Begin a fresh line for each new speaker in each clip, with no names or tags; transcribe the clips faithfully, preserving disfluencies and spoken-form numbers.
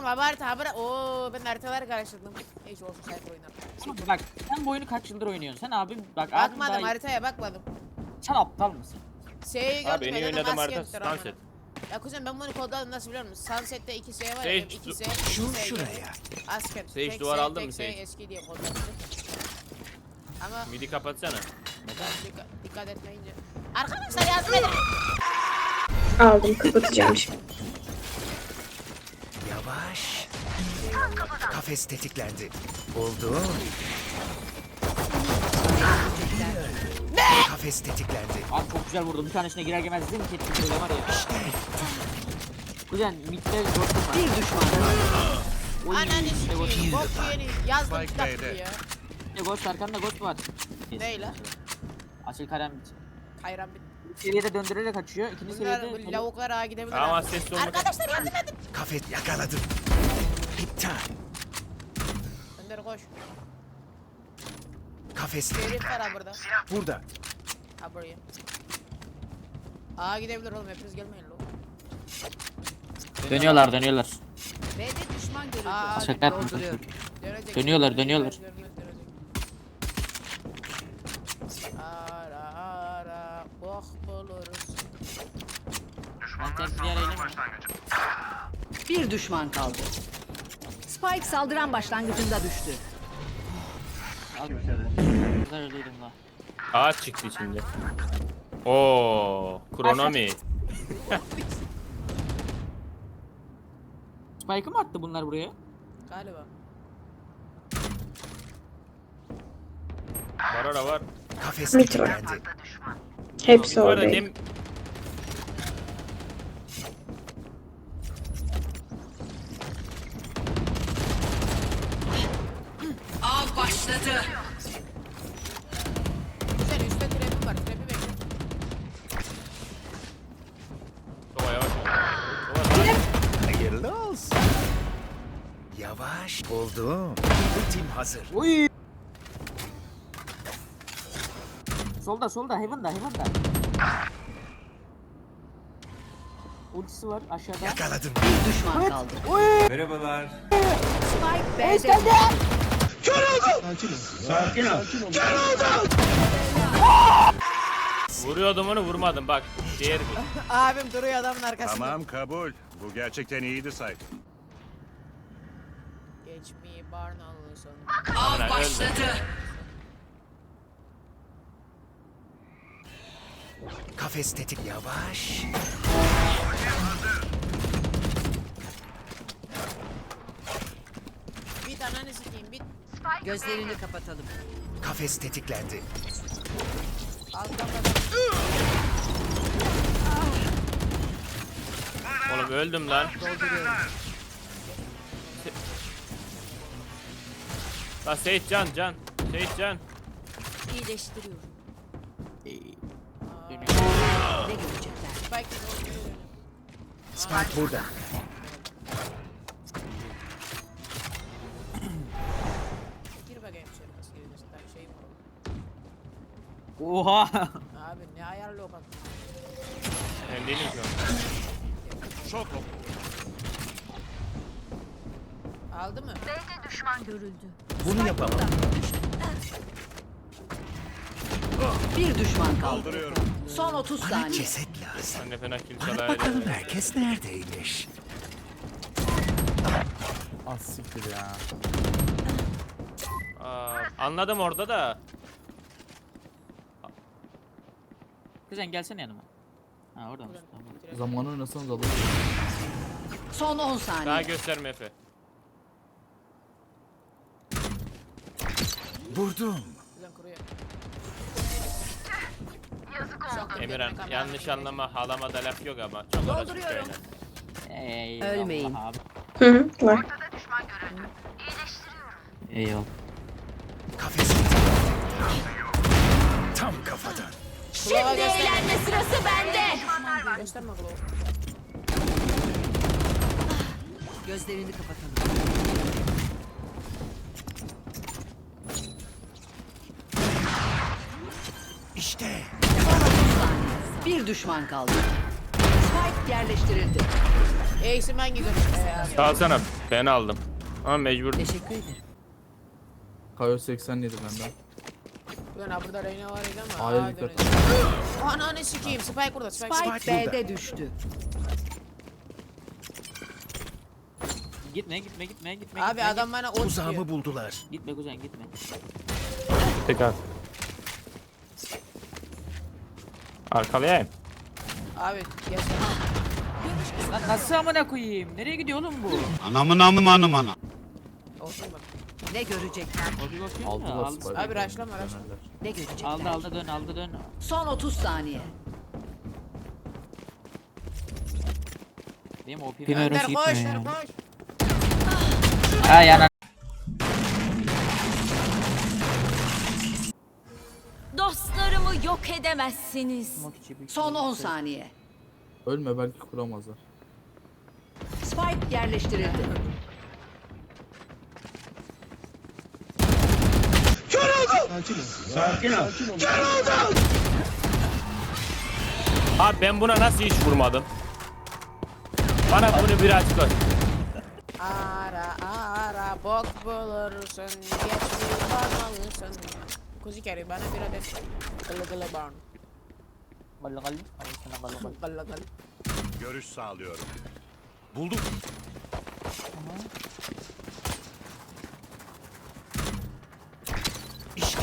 Haber haber. Oo ben haritaları karıştırdım. Hiç olsun sayfa oynar.
Bak sen bu oyunu kaç yıldır oynuyorsun? Sen abim bak abim
Bakmadım
daha...
haritaya bakmadım.
Sen aptal mısın?
Şeyi gördüm.
Abi en iyi
dedim,
oynadığım
maske
harita
yoktur ama.
Sunset.
Ya kuzen ben bunu kodladım nasıl biliyor musun? Sunset'te iki S var ya.
Sage,
iki S.
Şu
iki S
şuraya.
Asken.
Sage,
tek
duvar
S,
aldın
tek
mı
S
Sage?
eski diye kodladım. Ama
Midi kapatsana.
dikkat, dikkat etmeyince. Arkadaşlar yardım edin.
Aldım, kapatacağım şimdi.
Yavaş. Kafes tetiklendi. Oldu. Ne? Kafes tetiklendi.
Abi çok güzel vurdu. Bir tanesine girer girmez dedim ki etki böyle var ya. Kuzen midde dostum var.
Bir düşman.
Oy,
Ananı
midde ghost-
sikeyim. Bok yeni yazdım kitap ya.
midde ghost arkanda ghost var.
Ney lan?
Açıl kalem bit.
Hayran bit.
Bir seviyede döndürerek açıyor. İkinci
Bunlar
seviyede...
bu lavuklar ağa gidebilir.
Ama
ha.
ses olmadı.
Arkadaşlar yardım edin.
Kafes yakaladım. İptal.
Önder koş.
Kafes
Herif
tetiklendi.
var ha burada.
Burada.
Ha buraya. Ağa gidebilir oğlum hepiniz gelmeyin lo.
Dönüyorlar dönüyorlar.
B'de düşman görüldü.
Aa,
Şaka yapma.
Dolduruyorum.
Dönecek.
Dönüyorlar, dönüyorlar.
Dönmez, dönmez, dönecek. Ara ara bok buluruz.
Ben tek bir yere ineyim mi?
Bir düşman kaldı. Spike saldıran başlangıcında düştü.
Al. Güzel öyleydim la.
Ağaç çıktı içinde. Oo, kronomi.
Spike'ı mı attı bunlar buraya?
Galiba.
Var ara var.
Kafes
Mit var.
tetiklendi.
Hepsi
Bu arada
oradayım.
dem
Av başladı.
Güzel üstte trap'im var. Trap'i bekle.
Sova yavaş. Sova
Hayırlı olsun. Yavaş. Oldu. Ultim hazır.
Oy! Solda solda Heaven'da Heaven'da. Ultisi var aşağıda.
Yakaladım.
Bir düşman kaldı.
Merhabalar.
Spike B'de.
vuruyordum onu vurmadım bak. Diğer bir.
Abim duruyor adamın arkasında.
Tamam kabul. Bu gerçekten iyiydi say.
Geç mi barnalı son.
Amına,
Av başladı.
Kafes tetik. Yavaş.
Bit ananı sikeyim bit.
Gözlerini kapatalım.
Kafes tetiklendi.
Alttan bak.
Oğlum öldüm lan. La Seyit can can. Seyit can.
İyileştiriyorum.
Dönüyor.
Ne görecekler?
Spike dolduruyor.
Spike burada.
Gir bakayım şöyle nasıl giriyorsun. Ben şeyim var.
Oha!
Abi ne ayarlı o bak.
Ben değilim şu an.
Şok.
Aldı mı?
Bunu yapamam.
Bir düşman kaldı.
Kaldırıyorum.
Son otuz
Bana
saniye.
ceset lazım.
Ben de fena kill
Bana
çalaydı.
bakalım herkes neredeymiş.
Az siktir ya.
Aa, anladım orada da.
Kuzen gelsene yanıma. Ha orada mısın? Tamam.
Zamanı oynasanız alır.
Son on
Daha
saniye.
gösterme Efe.
Vurdum.
Güzel kuruyor.
Emirhan yanlış anlama halama da laf yok ama çok orası böyle.
Eyvallah
Ölmeyin.
abi.
Hı hı, var.
Eyvallah.
Kafes tetiklendi. Tam kafadan.
Kulava gösterme.
sırası bende.
Gösterme kulava.
Gözlerini kapatalım.
İşte.
Bir düşman kaldı. Spike yerleştirildi.
Ace'im ben gidiyorum. Ee, abi.
Kalsana ben aldım. Ama mecbur.
Teşekkür ederim.
Kayo seksen yedi benden.
Ulan ha burada Reyna var idi ama.
Hayır,
Aa,
dikkat.
döneceğim. Ananı sikeyim. Spike burada. Spike.
Spike,
Spike
B'de düştü.
Gitme gitme gitme gitme.
Abi
gitme,
adam bana ot diyor.
Tuzağımı buldular.
Gitme kuzen gitme.
Tek al. Arkalayayım.
Abi gelsene.
Lan nasıl amına koyayım? Nereye gidiyor oğlum bu?
Anamın amı anım ana.
Olsun bak.
Ne görecekler?
O bir bakıyor
Aldılar
mu? Aldı.
Spike'ı.
Abi rushlama, rushlama.
Dönerler.
Ne görecekler?
Aldı aldı dön aldı dön.
Son otuz saniye.
Benim O P
Önder koş. Önder koş.
Ha yana.
Dostlarımı yok edemezsiniz.
Son on saniye.
Ölme belki kuramazlar.
Spike yerleştirildi.
Abi ben buna nasıl hiç vurmadım? Bana bunu bir açık aç.
Ara ara bok bulursun. Geçmeyi bakmalısın. Kuzi kere bana bir adet kılı kılı barn.
Gallı gallı. Al sana gallı gallı.
Kılı kılı.
Görüş sağlıyorum. Buldum.
İşte.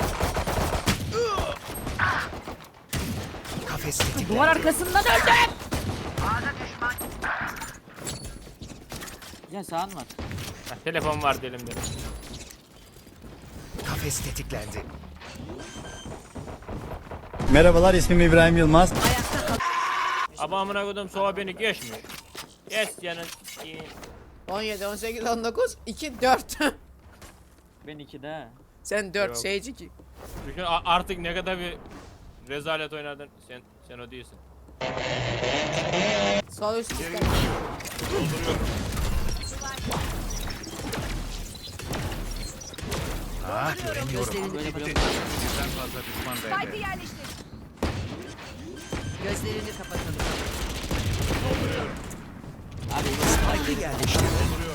Kafes tetiklendi.
Duvar arkasından öldüm. Ya sağın var.
Heh, telefon vardı elimde.
Kafes tetiklendi.
Merhabalar, ismim İbrahim Yılmaz.
Ama amına koydum soğa beni geçmiyor. Geç yani.
on yedi, on sekiz, on dokuz, iki, dört.
Ben ikide.
Sen dört,
Yok.
Sage iki.
Düşün a- artık ne kadar bir rezalet oynadın. Sen sen o değilsin.
Sol üst üstte.
Ah göremiyorum.
Gözlerini
Böyle böyle.
Birden fazla düşman bende.
Gözlerini kapatalım.
Abi
Spike'ı yerleştirdi.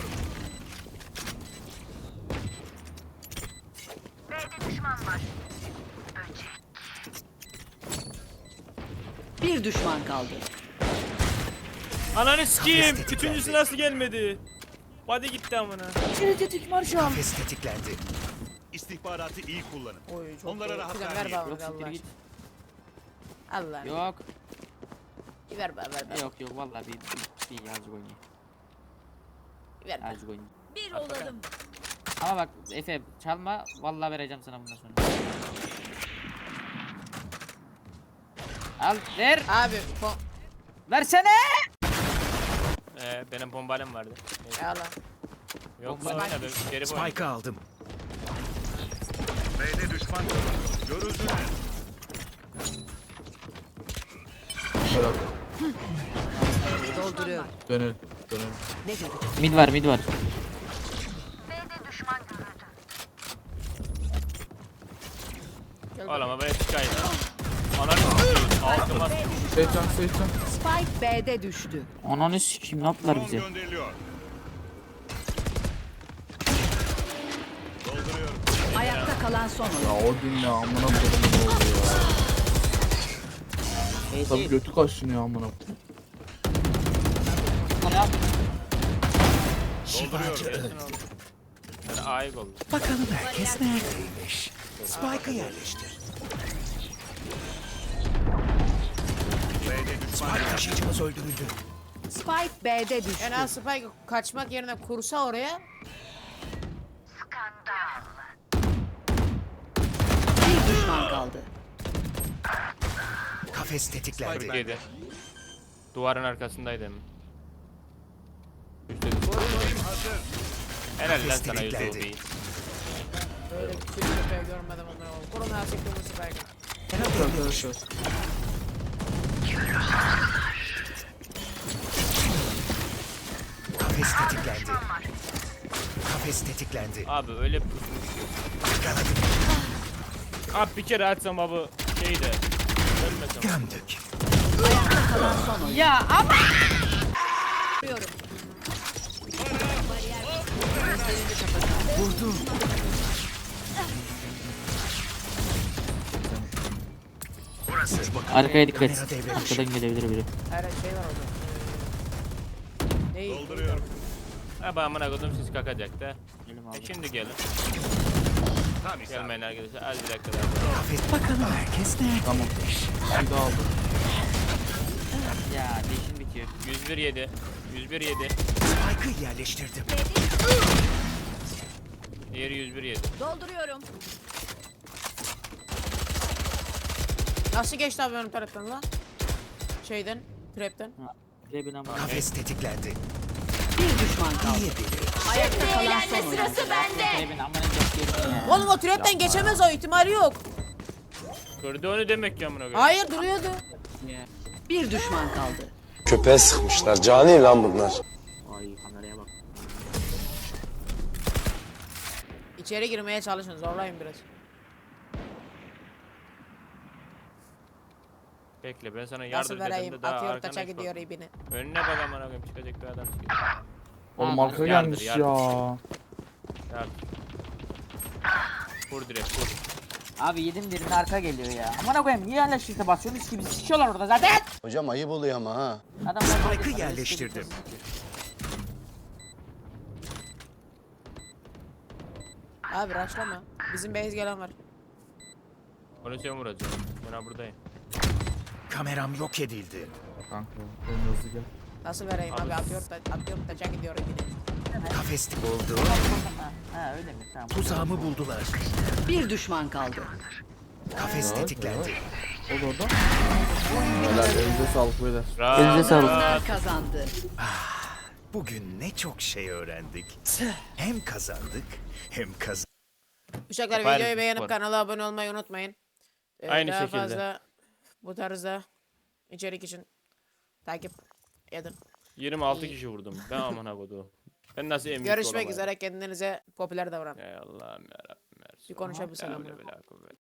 Bir düşman kaldı.
Ananı sikeyim.
tetiklendi.
Üçüncüsü nasıl gelmedi? Body gitti amına.
Kafes tetiklendi.
İstihbaratı iyi kullanın.
Oy çok
Onlara
iyi.
rahat
Kuzen ver
vermeyin.
bana
yok
Allah
siktir git.
aşkına. Allah.
Yok.
Ver bana ver bana.
Yok yok vallahi bir bir, bir azıcık oynayayım.
Ver bana.
Azıcık oynayayım.
Bir olalım.
Ama bak Efe çalma vallahi vereceğim sana bundan sonra. Al ver.
Abi pom.
Versene.
Ee, benim bombalem vardı. Neyse.
Ya lan.
Yok lan oynadı. Geri boy.
Spike'ı aldım.
B'de düşman görüldü. Görüldüler.
Helal.
Dolduruyor.
Dönelim. Dönelim.
Ne görecek?
Mid var mid var.
Gel
Oğlum ama ben çıkayım. Ananı sikeyim. Altıma
Seyircan seyircan.
Spike B'de düştü.
Ananı sikeyim ne yaptılar
Drone
bize?
gönderiliyor. Dolduruyorum.
Ayakta kalan son oyun.
Ya o gün ya amına koyayım ne oldu ya.
Şey
Tabii
değil.
götü kaşınıyor amına koyayım.
Şifacı öldü.
Kesin oldu. Yani ayık oldu.
Bakalım herkes neredeymiş. Spike'ı yerleştir.
B'de düşman
Spike taşıyıcımız öldürüldü.
Spike B'de düştü.
En az Spike kaçmak yerine kursa oraya.
Bir düşman kaldı.
Kafes tetiklendi.
Yedi. Duvarın arkasındaydı hemen. Üstte. Helal lan sana
Tetiklendi.
Yusufi.
Böyle bir küçük köpeği görmedim onları. Korona sıktığımız Spike.
Arkadaşlar.
Kafes tetiklendi. Kafes tetiklendi.
Abi öyle bir Abi bir kere açsam abi şeyi de ölmesem.
Gömdük.
Ayakta kalan son oyuncu.
Ya ama.
Vurdum.
Arkaya dikkat.
Kamera devre dışı.
Arkadan gelebilir biri.
Her şey var orada. Ee, Ney?
Dolduruyorum.
Ha ben amına koydum siz kakacak da.
Elim
E
aldı.
şimdi gelin.
Tam isabet.
Gelmeyin arkadaşlar. Az bir dakika daha.
Kafes bakalım herkes neredeymiş.
Bir daha aldım.
Ya değişim bitiyor.
yüz bir yedi. yüz bir yedi.
Spike'ı yerleştirdim.
Diğeri yüz bir yedi.
Dolduruyorum.
Nasıl geçti abi benim taraftan lan? Şeyden, trapten.
Trebin ama.
Kafes tetiklendi.
Bir düşman kaldı.
İyi biri.
Ayakta kalan
Eğlenme
son oyuncu.
sırası bende.
Trebin amanın çok yerine ya.
Oğlum o trapten geçemez, o ihtimali yok.
Gördü onu demek ki amına koyayım.
Hayır, duruyordu.
Bir düşman kaldı.
Köpeğe sıkmışlar. Cani lan bunlar.
Ay kameraya bak.
İçeri girmeye çalışın, zorlayın biraz.
Bekle ben sana
Nasıl
yardım
vereyim?
edeyim de daha
Atıyor,
arkana
taça
hiç
gidiyor
bak.
ibine.
Önüne bak amına koyayım çıkacak bir adam çıkıyor.
Oğlum
Ha,
arka
yardır,
gelmiş
yardır.
ya.
Yardım. Vur direkt vur.
Abi yedim birini arka geliyor ya. Amına koyayım niye hala shift'e basıyorsunuz ki bizi sikiyorlar orada zaten.
Hocam ayıp oluyor ama ha.
Adam
Spike'ı yerleştirdim.
Abi rushlama. Bizim base gelen var.
Onu sen vuracaksın. Ben ha buradayım.
Kameram yok edildi.
Kanka en hızlı gel.
Nasıl vereyim abi? Atıyor, ta atıyor, taça gidiyor ibine.
Kafes buldu.
Ha, ha öyle mi? Tamam.
Tuzağımı buldular.
Bir düşman kaldı.
Kafes tetiklendi.
O da orada. Helal elinize sağlık beyler.
Rahat,
Elinize sağlık.
rahat.
Kazandı.
Bugün ne çok şey öğrendik. Hem kazandık hem kazandık.
Uşaklar
Süper,
videoyu beğenip
süper.
kanala abone olmayı unutmayın. Ee,
Aynı
daha
şekilde.
fazla bu tarzda içerik için takip edin.
yirmi altı kişi vurdum. Ben amına koydum. Ben nasıl M V P
Görüşmek
olamayayım?
üzere, kendinize popüler davranın.
Ey Allah'ım yarabbim.
Bir konuşabilsem
La
amına.
havle ve la kuvvete.